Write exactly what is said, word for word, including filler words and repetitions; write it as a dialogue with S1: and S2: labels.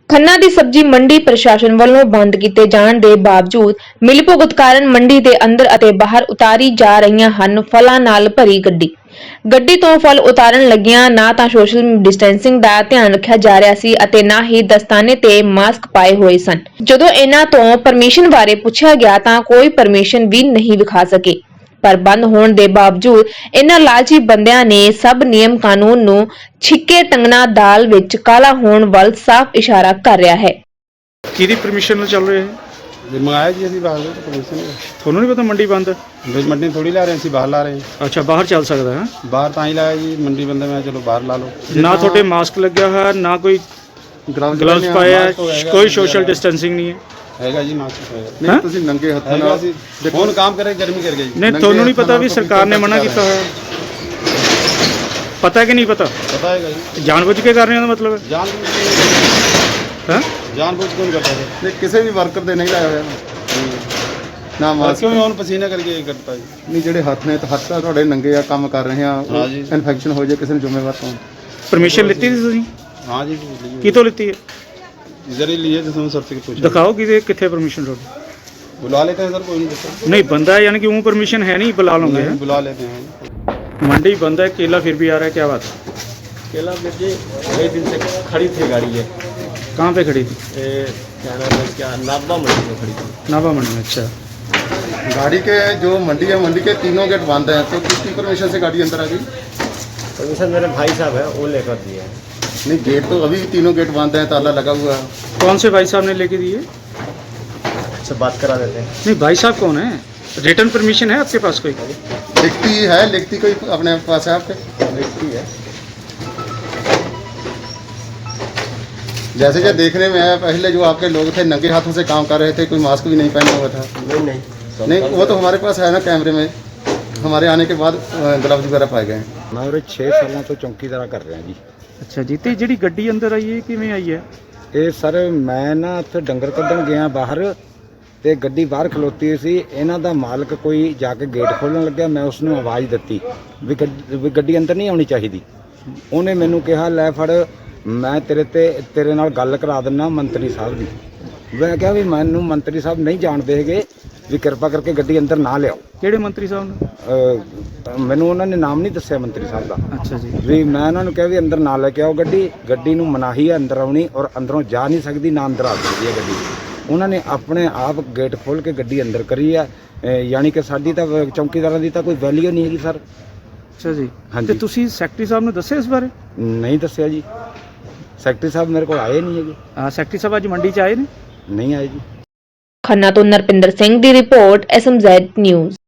S1: ਖੰਨਾ ਦੀ ਸਬਜ਼ੀ ਮੰਡੀ ਪ੍ਰਸ਼ਾਸਨ ਵੱਲੋਂ ਬੰਦ ਕੀਤੇ ਜਾਣ ਦੇ ਬਾਵਜੂਦ ਮਿਲੀਭੁਗਤ ਕਾਰਨ ਮੰਡੀ ਦੇ ਅੰਦਰ ਅਤੇ ਬਾਹਰ ਉਤਾਰੀ ਜਾ ਰਹੀਆਂ ਹਨ ਫਲਾਂ ਨਾਲ ਭਰੀ ਗੱਡੀ। ਗੱਡੀ ਤੋਂ ਫਲ ਉਤਾਰਨ ਲੱਗਿਆਂ ਨਾ ਤਾਂ ਸੋਸ਼ਲ ਡਿਸਟੈਂਸਿੰਗ ਦਾ ਧਿਆਨ ਰੱਖਿਆ ਜਾ ਰਿਹਾ ਸੀ ਅਤੇ ਨਾ ਹੀ ਦਸਤਾਨੇ ਤੇ ਮਾਸਕ ਪਾਏ ਹੋਏ ਸਨ। ਜਦੋਂ ਇਹਨਾਂ ਤੋਂ ਪਰਮਿਸ਼ਨ ਬਾਰੇ ਪੁੱਛਿਆ ਗਿਆ ਤਾਂ ਕੋਈ ਪਰਮਿਸ਼ਨ ਵੀ ਨਹੀਂ ਵਿਖਾ ਸਕੇ। ਪਰ ਬੰਦ ਹੋਣ ਦੇ ਬਾਵਜੂਦ ਇਹਨਾਂ ਲਾਲਚੀ ਬੰਦਿਆਂ ਨੇ ਸਭ ਨਿਯਮ ਕਾਨੂੰਨ ਨੂੰ ਛਿੱਕੇ ਟੰਗਣਾ ਦਾਲ ਵਿੱਚ ਕਾਲਾ ਹੋਣ ਵੱਲ ਸਾਫ਼ ਇਸ਼ਾਰਾ ਕਰ ਰਿਹਾ ਹੈ।
S2: ਕਿਹਦੀ ਪਰਮਿਸ਼ਨ ਨਾਲ ਚੱਲ ਰਿਹਾ ਹੈ?
S3: ਜੇ ਮੰਗਾਇਆ ਜੀ ਅਸੀਂ ਬਾਹਰ ਤੋਂ ਪਰਮਿਸ਼ਨ
S2: ਤੁਹਾਨੂੰ ਨਹੀਂ ਪਤਾ ਮੰਡੀ ਬੰਦ ਹੈ?
S3: ਵਿੱਚ ਮੰਡੀ ਥੋੜੀ ਲਾ ਰਹੇ ਅਸੀਂ ਬਾਹਰ ਲਾ ਰਹੇ
S2: ਅੱਛਾ, ਬਾਹਰ ਚੱਲ ਸਕਦਾ ਹੈ?
S3: ਬਾਹਰ ਤਾਂ ਹੀ ਲਾਇਆ ਜੀ, ਮੰਡੀ ਬੰਦਾ ਮੈਂ ਚਲੋ ਬਾਹਰ ਲਾ ਲਓ।
S2: ਨਾ ਤੁਹਾਡੇ ਮਾਸਕ ਲੱਗਿਆ ਹੋਇਆ, ਨਾ ਕੋਈ ਗਲਵਜ਼ ਪਾਇਆ, ਕੋਈ ਸੋਸ਼ਲ ਡਿਸਟੈਂਸਿੰਗ ਨਹੀਂ ਹੈ।
S3: ਹੈਗਾ ਜੀ ਮਾਸਕ ਹੈਗਾ।
S2: ਨਹੀਂ
S4: ਤੁਸੀਂ ਨੰਗੇ ਹੱਥਾਂ
S3: ਹੈਗਾ
S4: ਨਾਲ
S3: ਅਸੀਂ ਹੁਣ ਕੰਮ ਕਰੇ ਗਰਮੀ ਕਰ ਗਈ ਜੀ।
S2: ਨਹੀਂ, ਤੁਹਾਨੂੰ ਨਹੀਂ ਪਤਾ ਵੀ ਸਰਕਾਰ ਨੇ ਮਨਾ ਕੀਤਾ ਹੋਇਆ? ਪਤਾ ਕਿ ਨਹੀਂ ਪਤਾ?
S3: ਪਤਾ ਹੈਗਾ ਜੀ,
S2: ਜਾਣਬੁੱਝ ਕੇ ਕਰ ਰਹੇ ਹੋ ਦਾ ਮਤਲਬ ਹੈ?
S3: ਜਾਣ
S2: ਹਾਂ,
S3: ਜਾਣਬੁੱਝ ਕੇ ਨਹੀਂ ਕਰਦਾ ਜੀ।
S4: ਨਹੀਂ ਕਿਸੇ ਵੀ ਵਰਕਰ ਦੇ ਨਹੀਂ ਲਾਇਆ ਹੋਇਆ ਨਾ ਮਾਸਕ।
S3: ਕਿਉਂ ਹੁਣ ਪਸੀਨਾ ਕਰਕੇ ਕਰਤਾ ਜੀ।
S4: ਨਹੀਂ ਜਿਹੜੇ ਹੱਥ ਨੇ ਤਾਂ ਹੱਥ ਤਾਂ ਤੁਹਾਡੇ ਨੰਗੇ ਆ, ਕੰਮ ਕਰ ਰਹੇ ਆ,
S3: ਹਾਂ ਜੀ।
S4: ਇਨਫੈਕਸ਼ਨ ਹੋ ਜਾਏ ਕਿਸੇ ਨੂੰ ਜ਼ਿੰਮੇਵਾਰ ਕੌਣ?
S2: ਪਰਮਿਸ਼ਨ ਲਿੱਤੀ ਸੀ ਤੁਸੀਂ?
S3: ਹਾਂ ਜੀ,
S2: ਕਿਤੋਂ ਲਿੱਤੀ ਹੈ?
S3: इधर ही लिए थे सर्टिफिकेट पूछा।
S2: ਦਿਖਾਓ ਕਿਤੇ ਕਿੱਥੇ ਪਰਮਿਸ਼ਨ ਤੁਹਾਡੀ?
S3: बुला लेते हैं सर, कोई नहीं दिक्कत।
S2: नहीं बंदा है यानी कि वो परमिशन है नहीं, बुला लोगे?
S3: नहीं, बुला लेते हैं।
S2: मंडी बंद है, केला फिर भी आ रहा है, क्या बात है?
S5: केला जी कई दिन से खड़ी थी गाड़ी है।
S2: कहाँ पे खड़ी थी?
S5: ये क्या नाम है इसका, नाबा मंडी में खड़ी थी।
S2: नाभा मंडी में। अच्छा,
S4: गाड़ी के जो मंडी है, मंडी के तीनों गेट बंद हैं, तो किसकी परमिशन से गाड़ी अंदर आ गई?
S5: परमिशन मेरे भाई साहब है वो लेकर दिए हैं।
S4: नहीं गेट तो अभी तीनों गेट बंद हैं, ताला लगा हुआ है।
S2: कौन से भाई साहब ने लेके दिए?
S5: से बात करा देते हैं।
S2: नहीं, भाई साहब कौन है? रिटर्न परमिशन है आपके पास कोई?
S4: लिखती है, लिखती कोई अपने पास है आपके?
S5: लिखती है।
S4: जैसे जो देखने में आया, पहले जो आपके लोग थे नंगे हाथों से काम कर रहे थे, कोई मास्क भी नहीं पहना हुआ था।
S5: नहीं नहीं
S4: नहीं वो तो हमारे पास है ना कैमरे में, हमारे आने के बाद ग्लव्स वगैरह पाए गए हैं।
S6: मैं उरे छे सालों तो चौकीदारा कर रहा जी।
S2: अच्छा जी, तो जी गड्डी अंदर आई है किवें आई है?
S6: ਇਹ ਸਰ ਮੈਂ ਨਾ ਉੱਥੇ ਡੰਗਰ ਕੱਢਣ ਗਿਆ ਬਾਹਰ ਤੇ ਗੱਡੀ ਬਾਹਰ ਖਲੋਤੀ ਸੀ। ਇਹਨਾਂ ਦਾ ਮਾਲਕ ਕੋਈ ਜਾ ਕੇ ਗੇਟ ਖੋਲ੍ਹਣ ਲੱਗਿਆ, ਮੈਂ ਉਸ ਨੂੰ ਆਵਾਜ਼ ਦਿੱਤੀ ਵੀ ਗੱਡੀ ਵੀ ਗੱਡੀ ਅੰਦਰ ਨਹੀਂ ਆਉਣੀ ਚਾਹੀਦੀ। ਉਹਨੇ ਮੈਨੂੰ ਕਿਹਾ ਲੈ ਫੜ, ਮੈਂ ਤੇਰੇ ਤੇ ਤੇਰੇ ਨਾਲ ਗੱਲ ਕਰਾ ਦਿੰਦਾ ਮੰਤਰੀ ਸਾਹਿਬ ਦੀ। ਮੈਂ ਕਿਹਾ ਵੀ ਮੈਨੂੰ ਮੰਤਰੀ ਸਾਹਿਬ ਨਹੀਂ ਜਾਣਦੇ ਹੈਗੇ, ਵੀ ਕਿਰਪਾ ਕਰਕੇ ਗੱਡੀ ਅੰਦਰ ਨਾ ਲਿਆਓ।
S2: ਕਿਹੜੇ ਮੰਤਰੀ ਸਾਹਿਬ ਨੇ?
S6: ਅਹ ਮੈਨੂੰ ਉਹਨਾਂ ਨੇ ਨਾਮ ਨਹੀਂ ਦੱਸਿਆ ਮੰਤਰੀ ਸਾਹਿਬ ਦਾ।
S2: ਅੱਛਾ ਜੀ,
S6: ਵੀ ਮੈਂ ਉਹਨਾਂ ਨੂੰ ਕਿਹਾ ਵੀ ਅੰਦਰ ਨਾ ਲੈ ਕੇ ਆਓ ਗੱਡੀ ਗੱਡੀ ਨੂੰ ਮਨਾਹੀ ਹੈ ਅੰਦਰ ਆਉਣੀ, ਔਰ ਅੰਦਰੋਂ ਜਾ ਨਹੀਂ ਸਕਦੀ, ਨਾ ਅੰਦਰ ਆ ਸਕਦੀ ਹੈ ਗੱਡੀ। ਉਹਨਾਂ ਨੇ ਆਪਣੇ ਆਪ ਗੇਟ ਖੋਲ੍ਹ ਕੇ ਗੱਡੀ ਅੰਦਰ ਕਰੀ ਹੈ। ਅਹ ਯਾਨੀ ਕਿ ਸਾਡੀ ਤਾਂ ਚੌਕੀਦਾਰਾਂ ਦੀ ਤਾਂ ਕੋਈ ਵੈਲਿਊ ਨਹੀਂ ਹੈਗੀ ਸਰ।
S2: ਅੱਛਾ ਜੀ,
S6: ਹਾਂਜੀ।
S2: ਤੇ ਤੁਸੀਂ ਸੈਕਟਰੀ ਸਾਹਿਬ ਨੂੰ ਦੱਸਿਆ ਇਸ ਬਾਰੇ?
S6: ਨਹੀਂ ਦੱਸਿਆ ਜੀ, ਸੈਕਟਰੀ ਸਾਹਿਬ ਮੇਰੇ ਕੋਲ ਆਏ ਨਹੀਂ ਹੈਗੇ।
S2: ਹਾਂ, ਸੈਕਟਰੀ ਸਾਹਿਬ ਅੱਜ ਮੰਡੀ 'ਚ ਆਏ ਨੇ?
S6: ਨਹੀਂ ਆਏ ਜੀ।
S1: ਖੰਨਾ ਤੋਂ ਨਰਪਿੰਦਰ ਸਿੰਘ ਦੀ report, S M Z news.